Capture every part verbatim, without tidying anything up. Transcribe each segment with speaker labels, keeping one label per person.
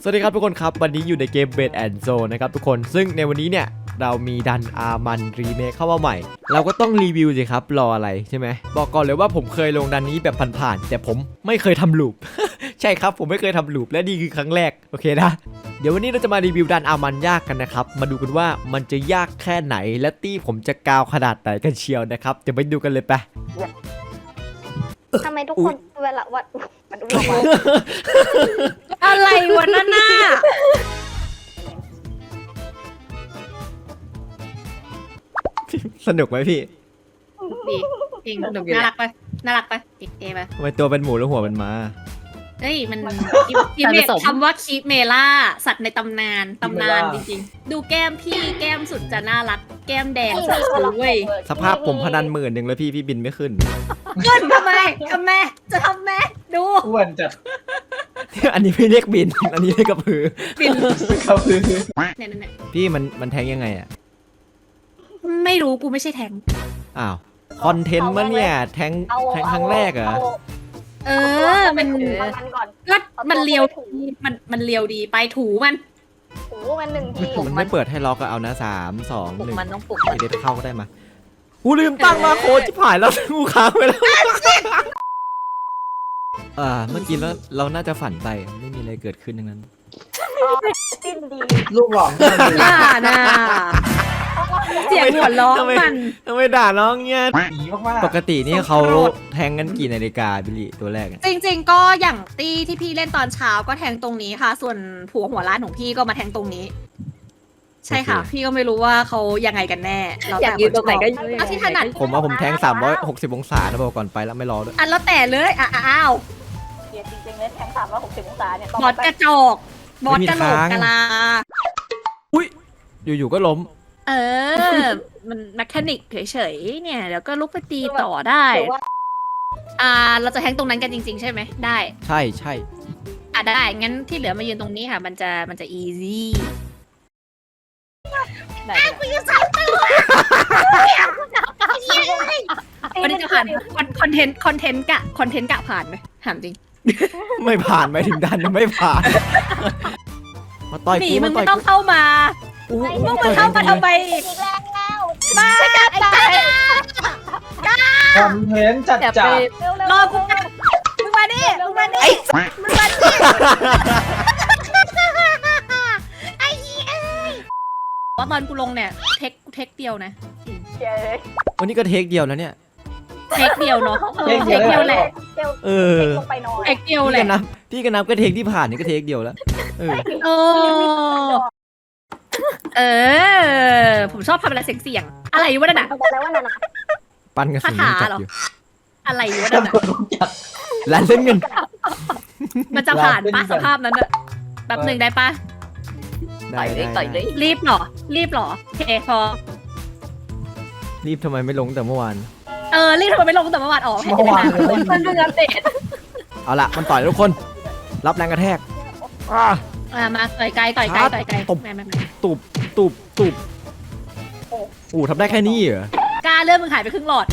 Speaker 1: สวัสดีครับทุกคนครับวันนี้อยู่ในเกม Bed and Zone นะครับทุกคนซึ่งในวันนี้เนี่ยเรามีดันอาร์มันรีเมคเข้ามาใหม่เราก็ต้องรีวิวสิครับรออะไรใช่ไหมบอกก่อนเลยว่าผมเคยลงดันนี้แบบผ่านๆแต่ผมไม่เคยทำลูป ใช่ครับผมไม่เคยทำลูปและนี่คือครั้งแรกโอเคนะเดี๋ยววันนี้เราจะมารีวิวดันอาร์มันยากกันนะครับมาดูกันว่ามันจะยากแค่ไหนและตี้ผมจะกาวขนาดไหนกันเชียวนะครับเดี๋ยวไปดูกันเลยไป
Speaker 2: ทำไมทุกคนเวลาวัดมันดูว่า
Speaker 3: อะไรวะนั่นน่ะ
Speaker 1: สนุกไหมพี่
Speaker 3: ดีจริงน่ารักปะน่ารักปะเก๋ปะ
Speaker 1: ทำไมตัวเป็นหมูแล้วหัวเป็นม้า
Speaker 3: เฮ้ยมันคีเมคำว่าคีเมล่าสัตว์ในตำนานตำนานจริงๆดูแก้มพี่แก้มสุดจะน่ารักแก้มแดงสุดเว้ย
Speaker 1: สภาพผมพนันหมื่นหนึ่งแล้วพี่พี่บินไม่ขึ้น
Speaker 3: ขึ้นทำไมทำไมจะทำไมดู
Speaker 4: อ้วนจัด
Speaker 1: อันนี้ไม่เรียกบิน อันนี้เรียกกระพือ
Speaker 3: ปิ่น
Speaker 4: เขาคือ
Speaker 3: เนี่ยเนี่ย
Speaker 1: พี่มันมันแทงยังไงอ่ะ
Speaker 3: ไม่รู้กูไม่ใช่แทง
Speaker 1: อ้าว คอนเทนต์มันเนี่ย แทงแทงครั้งแรกเหรอ
Speaker 3: เออมัน
Speaker 2: มันก่อน
Speaker 3: ก็มันเลียวมันมันเลียวดีไปถูมัน
Speaker 2: ถูมันหนึ่งที
Speaker 1: มันไม่เปิดให้ล็อกก็เอานะสามสองหนึ่ง
Speaker 2: มันต้องปลุก
Speaker 1: เด็ดเข้าก็ได้มากูลืมตั้งมาโค้ดจิ๋ผายแล้วกูค้างไปแล้วอ่าเมื่อกี้แล้วเราน่าจะฝันไปไม่มีอะไรเกิดขึ้นทั้งนั้น
Speaker 2: สิ้นดี
Speaker 4: ลูกหลอก
Speaker 3: น่าน่าเสียงหัวล้อมัน
Speaker 1: ทำไมด่าน้องเนี่ย
Speaker 4: ผีมาก
Speaker 1: ปกตินี่เขาแทงกันกี่นาฬิกาบิลลี่ตัวแรก
Speaker 3: จริงๆ ก็อย่างตีที่พี่เล่นตอนเช้าก็แทงตรงนี้ค่ะ ส่วนผัวหัวร้านของพี่ก็มาแทงตรงนี้ ใช่ค่ะ พี่ก็ไม่รู้ว่าเขายังไงกันแน่เรา
Speaker 2: อยากยืนตรงไหนก็ยืน
Speaker 3: เอาที่ถนัด
Speaker 1: ผมว่าผมแทงสามร้อยหกสิบองศานะบอกก่อนไปแล้วไม่รอด้วย
Speaker 3: อันแล้วแต่เลยอ่ะอ้าว
Speaker 2: เกียร์จริงๆเลยแทงสามร้อยหกสิบองศาเนี่ย
Speaker 3: บอสกระจอกบอสกระโหลกกะลา
Speaker 1: อยู่ๆก็ล้ม
Speaker 3: เออ มันแมคานิกเฉยๆเนี่ยเดี๋ยวก็ลุกไปตีต่อได้ อ่า เราจะแทงตรงนั้นกันจริง ๆ ใช่ไหมได้
Speaker 1: ใช่ใช่
Speaker 3: อ่ะได้งั้นที่เหลือมายืนตรงนี้ค่ะ มันจะมันจะอีซี่กูจะสั่งตัววันนี้จะผ่านคอนเทนต์คอนเทนต์กะคอนเทนต์กะผ่านไหมถามจริง
Speaker 1: ไม่ผ่านไปถึงดันยังไม่ผ่าน มาต่อย
Speaker 3: หนี
Speaker 1: กู
Speaker 3: มึ
Speaker 1: มาง ต่
Speaker 3: ไม่
Speaker 1: อย
Speaker 3: ต้องเข้ามา
Speaker 1: กู
Speaker 3: มึงมาเข้ามาทำไมอีก
Speaker 2: อีกแล้วแล้ว
Speaker 3: มาไอ้กา
Speaker 4: ๆคอนเทนต์จัดจัด
Speaker 2: เร็วๆ
Speaker 3: รอกูนะมึงมาดิมึงมาดิมึงมาดิไอ้เหี้ยว่าตอนกูลงเนี่ยเทคกูเทคเดียวนะ
Speaker 2: เกียร์เลย
Speaker 1: วันนี้ก็เทคเดียวแล้วเนี่ย
Speaker 3: เทคเดียวเนาะเทคเดียวแหละ
Speaker 2: เร็ว
Speaker 1: เออ
Speaker 2: ลงไปนอน
Speaker 3: เทคเดียว
Speaker 1: พี่
Speaker 3: แห
Speaker 1: กั
Speaker 3: ละ
Speaker 1: นนับพี่กันนับก็เทคที่ผ่านนี่ก็เทคเดียวแล้ว เออ
Speaker 3: โอ้เออ ผมชอบทำอะไรเสียงๆอะไรวะนั่นน่ะ
Speaker 2: บอกแล้วว่านั่นน่ะ
Speaker 1: ปั้นกระสุน
Speaker 3: คา
Speaker 1: ยัง
Speaker 3: ถา
Speaker 1: จับ
Speaker 3: เหรอ
Speaker 1: อยู่
Speaker 3: อะไรวะนั่นน่ะ
Speaker 4: จัด
Speaker 1: ร้านเล่นเงิน
Speaker 3: มันจะผ่านปะสภาพนั้นอะแป๊บหนึ่งได้ปะ
Speaker 1: ได้ได้ได้
Speaker 3: รีบเหรอ รีบเหรอโอเคพอ
Speaker 1: รีบทำไมไม่ลงแต่เมื่อวาน
Speaker 3: เออ รีบทำไมไม่ลงแต่เมื่อวานออกให้
Speaker 4: เมื่อวาน
Speaker 3: ได้
Speaker 4: เลย
Speaker 3: มันเพิ่งอัปเดต
Speaker 1: เอาละมันต่อยทุกคน รับแรงกระแทกอ่า
Speaker 3: อ่ะมาต่อยไกลต่อยไกลต่อยไกล
Speaker 1: ตบ
Speaker 3: ไม่ไม่ไม่
Speaker 1: ตุบตุบตุบโอ้ทำได้แค่นี้เหรอ
Speaker 3: กล้าเลื่อนมึงหายไปครึ่งหลอด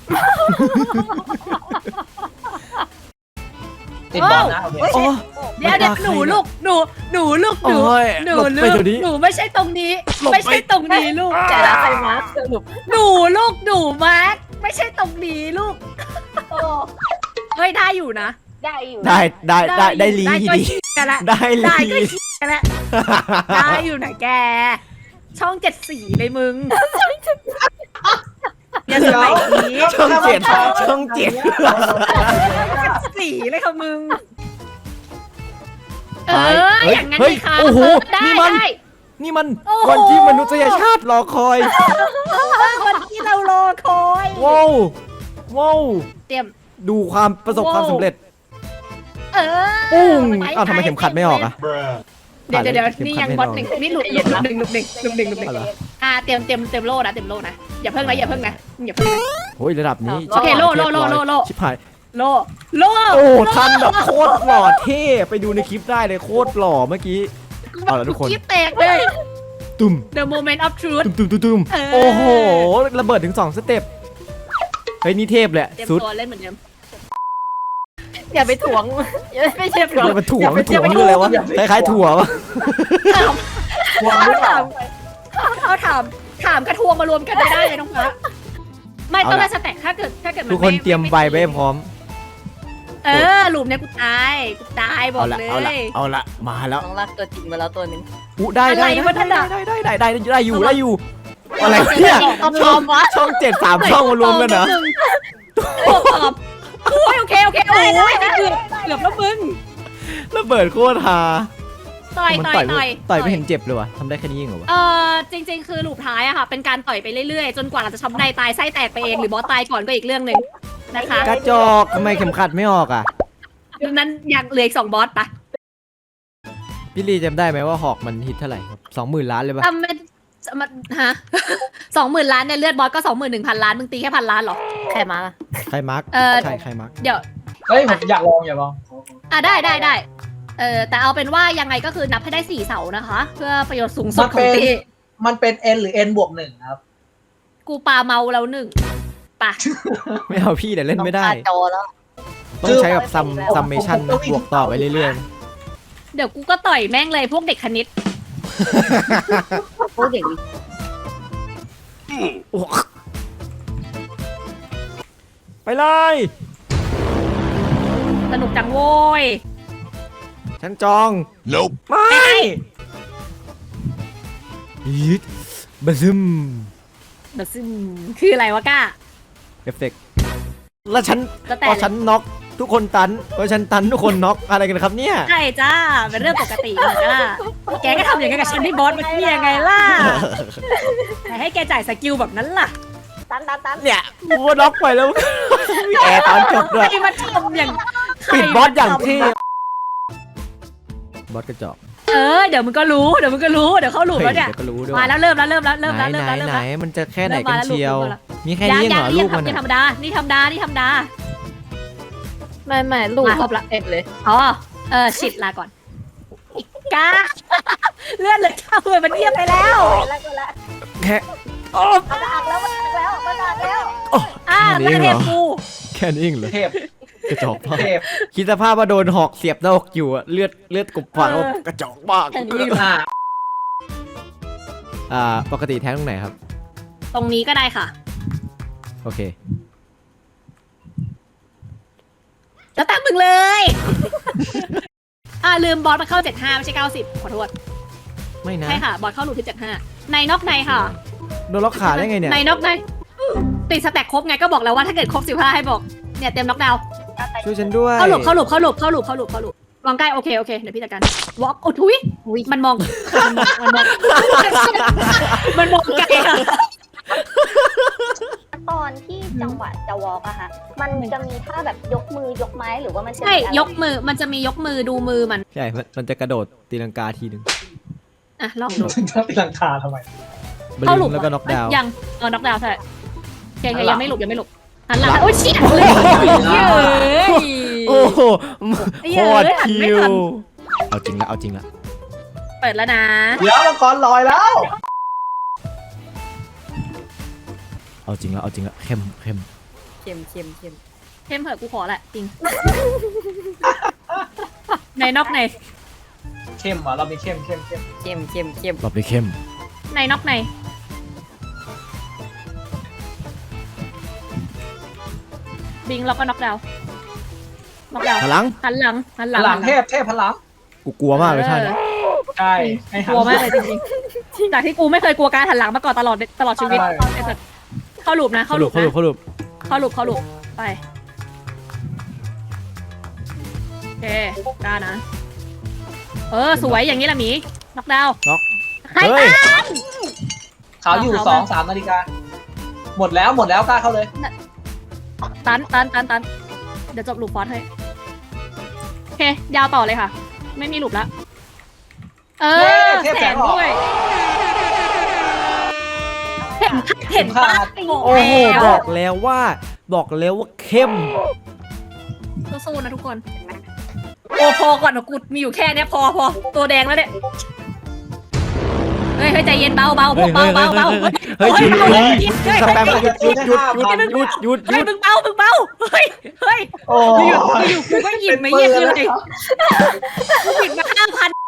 Speaker 4: ติดบอลนะโอเค
Speaker 1: โอ้
Speaker 3: เดี๋ยวเดี๋ยวหนูลูกหนูหนูลูกหนู
Speaker 1: โอ้ย
Speaker 3: หนู
Speaker 1: หลบ
Speaker 3: ลู
Speaker 1: ไป
Speaker 3: ก
Speaker 1: เดี๋ยวนี้
Speaker 3: หนูไม่ใช่ตรงนี้
Speaker 1: หลบไป
Speaker 3: ไม่ใช่ตรงนี้ลูก
Speaker 2: แต่ละใครมาสรุป
Speaker 3: หนูลูกหนูมาร์คไม่ใช่ตรงนี้ลูก
Speaker 2: โอ้
Speaker 3: เฮ้ยได้อยู่นะ
Speaker 2: ได้อยู่
Speaker 1: ได้ได้ได้ได้ลี
Speaker 3: ได้ก็
Speaker 1: ดี
Speaker 3: กันละ
Speaker 1: ได้ลี
Speaker 3: ได้ก็กันละได้อยู่ไหนแก ช่องเจ็ดสีเลยมึงอย่าสมัยนี้
Speaker 1: ช่องเจ็ดช่องเจ็ด
Speaker 3: สีเลยค่ะมึง เอ
Speaker 1: ไป
Speaker 3: อ
Speaker 1: เฮ้ย
Speaker 3: อย่างนั้น
Speaker 1: เฮ้ย
Speaker 3: ดีค่ะ
Speaker 1: โอ้โห
Speaker 3: ได้
Speaker 1: นี่มัน
Speaker 3: ได้
Speaker 1: นี่มัน
Speaker 3: โอ้โห
Speaker 1: วันที่มนุษยชาติรอคอย
Speaker 3: วันที่เรารอคอย
Speaker 1: ว้าวว้าว
Speaker 3: เตรียม
Speaker 1: ดูความประสบความสำเร็จ
Speaker 3: เออ
Speaker 1: ปุ้ง
Speaker 3: ป
Speaker 1: อ้าวทำไมเข็มขัดไม่ออกอ่ะ
Speaker 3: เดี๋ยวเดี๋ยวเดี๋ยว
Speaker 1: เข็ม
Speaker 3: นี่
Speaker 1: ขั
Speaker 3: ยั
Speaker 1: ด
Speaker 3: ง
Speaker 1: ไม่
Speaker 3: บอส
Speaker 1: ออก
Speaker 3: หนึ่งนี่หลุดหลุดหนึ่งหลุดหนึ่งหลุดหนึ่งหลุดหนึ่ง
Speaker 1: อะไร
Speaker 3: อ่าเตรียมเตรียมเตรียมโล่นะเตรียมโล่นะอย่าเพิ่งนะอย่าเพิ่งนะอย่าเพิ่งนะ
Speaker 1: โอ้ยระดับนี้
Speaker 3: โอเคโล่โล่โล่โล่โล่
Speaker 1: ชิบหาย
Speaker 3: โล่โล่
Speaker 1: โอ้ทันแบบโคตรหล่อเท่ไปดูในคลิปได้เลยโคตรหล่อเมื่อกี้ เอาละทุกคน
Speaker 3: คิดแตกเลย
Speaker 1: ตุ้ม
Speaker 3: The moment of truth
Speaker 1: ตุ้มตุ้มตุ้มตุ้ม
Speaker 3: เออ
Speaker 1: โอ้โหระเบิดถึงสองสเต็ปเฮ้ยนี่เทพเลย
Speaker 3: เตรียม
Speaker 1: สุด
Speaker 3: ตัวเล่นเหมือนเดิม
Speaker 2: อย่าไปถ่วงไม่ใช่ถ่วง
Speaker 1: มันถั่วมันถั่วมันคืออะไรวะคล้ายๆถั่ววะ
Speaker 4: วางหรือเปล่า
Speaker 3: เอาถามถามกระทวงมารวมกันได้ได้เลยน้องฟ้าไม่ต้องได้สแต็กถ้าเกิดถ้าเกิดมั
Speaker 1: ทุกคนเตรียมใบไว้ให้พร้อม
Speaker 3: เออหลุมเนี่ยกูตายกูตายบอ
Speaker 1: เอา
Speaker 3: ก
Speaker 1: ละ
Speaker 3: เล
Speaker 1: เอาละ
Speaker 3: ย
Speaker 1: เอาละมาแล้ว
Speaker 2: น้องรักตัวจริงมาแล้วตัวหนึง
Speaker 1: อู้ได้ได้
Speaker 3: อะไร
Speaker 1: ได้
Speaker 3: วะนั่น
Speaker 1: ได้
Speaker 3: น่ะ
Speaker 1: ได้ได้ได้ได้ได้อยู่ได้อยู่อะไรวะเนี่ย
Speaker 2: เอาพร้อมวะ
Speaker 1: ช่องเจ็ดสามช่องมารวมกันเหรอ
Speaker 3: ตัวปอบโอ้ยโอเคโอเคโอ้ยเกือบเกือบแล้วมึง
Speaker 1: ระเบิดโคตรฮา
Speaker 3: ต่อย
Speaker 1: มัน
Speaker 3: ต่อย
Speaker 1: ต่อย
Speaker 3: ต่อย
Speaker 1: ต่อยไม่เห็นเจ็บเลยวะทำได้แค่นี้เองเหรอวะ
Speaker 3: เออจริง ๆ คือหลุมท้ายอะค่ะเป็นการต่อยไปเรื่อยๆ จนกว่าเราจะช้ำในตายไส้แตกไปเองหรือบอสตายก่อนก็อีกเรื่องหนึ่งนะคะ
Speaker 1: กระจอกทำไมเข็มขัดไม่ออกอ่ะ
Speaker 3: ดังนั้นยังเหลืออีกสองบอสปะ
Speaker 1: พี่ลีจำได้ไหมว่าหอกมันฮิตเท่าไหร่ครับสองหมื่นล้านเลยปะ
Speaker 3: ทำเป็นมันฮะสองหมื่นล้านเนี่ยเลือดบอสก็สองหมื่นหนึ่งพันล้านมึงตีแค่พันล้านเหรอ
Speaker 2: ใครมาล่ะ
Speaker 1: ใครมาร์ก
Speaker 3: เออ
Speaker 1: ใช่ใครมาร์ก
Speaker 3: เดี๋ยว
Speaker 4: เฮ้ยผมอยากลองอยากลอง
Speaker 3: อ่ะได้ได้ได้เออแต่เอาเป็นว่ายังไงก็คือนับให้ได้สี่เสานะคะ เพื่อประโยชน์สูงสุดของตี
Speaker 4: มันเป็น n หรือ n บวกหนึ่งครับ
Speaker 3: กูปาเมาแล้วหนึ่งปะ
Speaker 1: ไม่เอาพี่แต่เล่นไม่ได้
Speaker 2: น้องตาจอแล้ว
Speaker 1: ต้องใช้แบบซัมซัมเมชันบวกต่อไปเรื่อย
Speaker 3: เดี๋ยวกูก็ต่อยแม่งเลยพวกเด็กคณิต
Speaker 2: พูดอย่างนี้
Speaker 1: ๆโอ้ไปเลย
Speaker 3: สนุกจังโว้ย
Speaker 1: ฉันจอง
Speaker 5: Nope.
Speaker 1: ไม่ยิดบะซึม
Speaker 3: แบบซึ่งคืออะไรวะก้า
Speaker 1: เอฟเฟกต์แล้วฉัน
Speaker 3: ก็แต่
Speaker 1: พอฉันน็อกทุกคนตันพอฉันตันทุกคนน็อกอะไรกันครับเนี่ย
Speaker 3: ใช่จ้าเป็นเรื่องปกติเหมือนกันล่ะแกก็ทำอย่างนั้นกับฉันที่บอสเมื่อกี้ยังไงล่ะแต่ให้แกจ่ายสกิลแบบนั้นล่ะ
Speaker 2: ตันตันตัน
Speaker 1: เนี่ยกูก็น็อกไปแล้ว มีแอร์ตอนจบด้วย
Speaker 3: ใครมาทำอย่าง
Speaker 1: ปิดบอสอย่าง
Speaker 3: ใครม
Speaker 1: เท่
Speaker 3: ท
Speaker 1: บอสกระจอก
Speaker 3: ำเออเดี๋ยวมึงก็รู้เดี๋ยวมึงก็รู้เดี๋ยวเข้าหลุมแล้วเนี่ย
Speaker 1: เดี๋ยวก็รู้ด้วย
Speaker 3: มาแล้วเริ่มแล้วเริ่มแล้วเริ่ม
Speaker 1: ไหน
Speaker 3: แล้วเริ่ม
Speaker 1: ไหน
Speaker 3: แล้วเริ่ม
Speaker 1: ไหน
Speaker 3: แล้ว
Speaker 1: มันจะแค่ไหน
Speaker 3: เริ่ม
Speaker 1: กั
Speaker 3: มาน แล้ว
Speaker 1: เชียว
Speaker 3: ลูกเริ่มแล้ว
Speaker 1: มีแค่นี้เองเหรอลูกมัน
Speaker 3: นี่
Speaker 1: อะ
Speaker 3: ธรรมดานี่ธรรมดานี่ธรรมดา
Speaker 2: ไม่ไม่ลูก
Speaker 3: มาครบละ
Speaker 2: เอ็ดเลย
Speaker 3: อ๋อเออชิดลาก่อนอีกกาเลือดเลยเข้าเลยมันเทียบไปแล้ว
Speaker 2: แล้วก็แล้ว
Speaker 1: แค่โอ้
Speaker 2: มันอักแล้วมันอักแล้วมันอักแล้ว
Speaker 3: อ่า
Speaker 1: แค่นี้
Speaker 3: แล้ว
Speaker 1: เหรอ
Speaker 3: เทพกู
Speaker 1: แค่นี้เองเหรอ
Speaker 4: เทพ
Speaker 1: กระจอกมาก
Speaker 4: เทพ
Speaker 1: คิดสภาพว่าโดนหอกเสียบหน้าอกอยู่อะเลือดเลือดกบฝันว่ากระจอกมาก
Speaker 3: แค่นี้เหรอ
Speaker 4: อ่า
Speaker 1: อ่าปกติแท้งตรงไหนครับ
Speaker 3: ตรงนี้ก็ได้ค่ะ
Speaker 1: โอเค
Speaker 3: แล้วแต่มึงเลย อ่าลืมบอสมาเข้าเจ็ดห้าไม่ใช่เก้าสิบขอโทษ
Speaker 1: ไม่นะ
Speaker 3: ใช่ค่ะ บอสเข้าหลุมที่เจ็ดห้าในนอกในค่ะ
Speaker 1: โดนล็อกขาได้ไงเนี่ย
Speaker 3: ในนอกในติดสแต็กครบไงก็บอกแล้วว่าถ้าเกิดครบสิบห้าให้บอกเนี่ยเต็มน็อกดาวน์
Speaker 1: ช่วยฉันด้วย
Speaker 3: เข้าหลุมเข้าหลุมเข้าหลุมเข้าหลุมเข้าหลุมเข้าหลุมวางใกล้โอเคโอเคเดี๋ยวพี่จัดการวอล์กโอ้ทุยมันมองมันมองมันมองมันมองไกลอะ
Speaker 2: ตอนที่จังหวะจะวอล์กอะค่ะมันจะมีท่าแบบยกมือยกไม้หรือว่ามันจะ
Speaker 3: ใช่
Speaker 2: มีอะไร
Speaker 3: ยกมือมันจะมียกมือดูมือมัน
Speaker 1: ใช่มันมันจะกระโดดตีลังกาทีหนึ่ง
Speaker 3: อ่ะลองดู
Speaker 4: ถึงจะตีลังคาทำไม
Speaker 1: บลิ
Speaker 3: เข้าหลุ
Speaker 1: ง
Speaker 3: ม
Speaker 1: แล้วก็น็อกดาวน์
Speaker 3: ยังเออน็อกดาวน์ใช่ยัง
Speaker 4: หันหลั
Speaker 3: ยัง
Speaker 4: ง
Speaker 3: ไม่หลุดยังไม่หลุดหันหลังโอ้ยเชี่ยเลยเย้ย
Speaker 1: โอ้โห
Speaker 3: เย้
Speaker 1: โค
Speaker 3: ย
Speaker 1: ตร
Speaker 3: หัน
Speaker 1: คิ
Speaker 3: ไม่
Speaker 1: ว
Speaker 3: ทัน
Speaker 1: เอาจริงละเอาจริงละ
Speaker 3: เปิดแล้วนะ
Speaker 4: เดี๋ยวมังกรลอยแล้ว
Speaker 1: เอาจริงละเอาจริงละเข้มเข้ม
Speaker 2: เค็มเค็มเค็ม
Speaker 3: เข้มเถอะกูขอแหละจริงในนอกใน
Speaker 4: เข้มอ่ะเรามีเข้มเข้มเข้ม
Speaker 2: เค็มเค็มเค็ม
Speaker 1: รอบนี้เข้ม
Speaker 3: ในนอกในบิงแล้วก็น็อกดาวน์น็อกดาวน์
Speaker 1: พลัง
Speaker 3: หันหลังหันห
Speaker 4: พ
Speaker 3: ลัง
Speaker 4: ลังเทพเทพพลัง
Speaker 1: กูกลัวมากเลยท่าน
Speaker 3: ออ
Speaker 4: ใช่ให้
Speaker 3: ก
Speaker 4: หัน
Speaker 3: ลัวมากเลยจริงๆจากที่กูไม่เคยกลัวการหันหลังมาก่อนตลอดตลอดชีวิต
Speaker 4: ใช่
Speaker 3: ไอ้สัสเข้าหลุมนะ
Speaker 1: เข้า
Speaker 3: เข้า
Speaker 1: ห
Speaker 3: ห
Speaker 1: ลุ
Speaker 3: ลุ
Speaker 1: ด
Speaker 3: ม
Speaker 1: เข้าหลุด
Speaker 3: นะ
Speaker 1: เข้าหลุด
Speaker 3: เข้าหลุมเข้าหลุมไปโอเคกล้านะ เออสวยอย่างนี้ละหมีน็อกดาวน์
Speaker 1: น็อก
Speaker 3: ใคร
Speaker 1: เฮ้ย
Speaker 3: ตาม
Speaker 4: ขาวอยู่
Speaker 3: เอา
Speaker 4: สอง
Speaker 3: มา
Speaker 4: สามนาฬิกาหมดแล้วหมดแล้วกล้าเข้าเลย
Speaker 3: ตันตันตันตันเดี๋ยวจบลูปฟอสให้โอเคยาวต่อเลยค่ะ ไม่มีลูปแล้วเออ
Speaker 4: เทพ
Speaker 3: แส
Speaker 4: แส
Speaker 3: ง
Speaker 4: งออก
Speaker 3: ด้วยเห็นเห็น
Speaker 4: ขา
Speaker 3: ปะ
Speaker 4: ด
Speaker 1: โอ้โห
Speaker 3: แล้ว
Speaker 1: บอกแล้วว่า บอกแล้วว่าเข้ม
Speaker 3: สู้ๆนะทุกคน โอ้พอก่อนนะกูมีอยู่แค่เนี้ยพอพอตัวแดงแล้วเนี่ย เฮ้ยเฮ้ยใจเย็นเบาเบาพวกเบาเบาเบา
Speaker 1: เฮ้ยเฮ้ยเฮ้ยเฮ้ยหยุดหยุด
Speaker 3: เฮ้ย
Speaker 1: สแปมหยุดหยุดหยุดหยุดหยุดหยุดห
Speaker 3: เฮ้
Speaker 1: ยุ
Speaker 3: ย
Speaker 1: ด
Speaker 3: มึงเบามึงเบาเฮ้ยเฮ้ย
Speaker 4: โอ้
Speaker 3: อยู่อยู่กูก็หยิบมาเยี่ยมเลยกูหยิบมาห้าพัน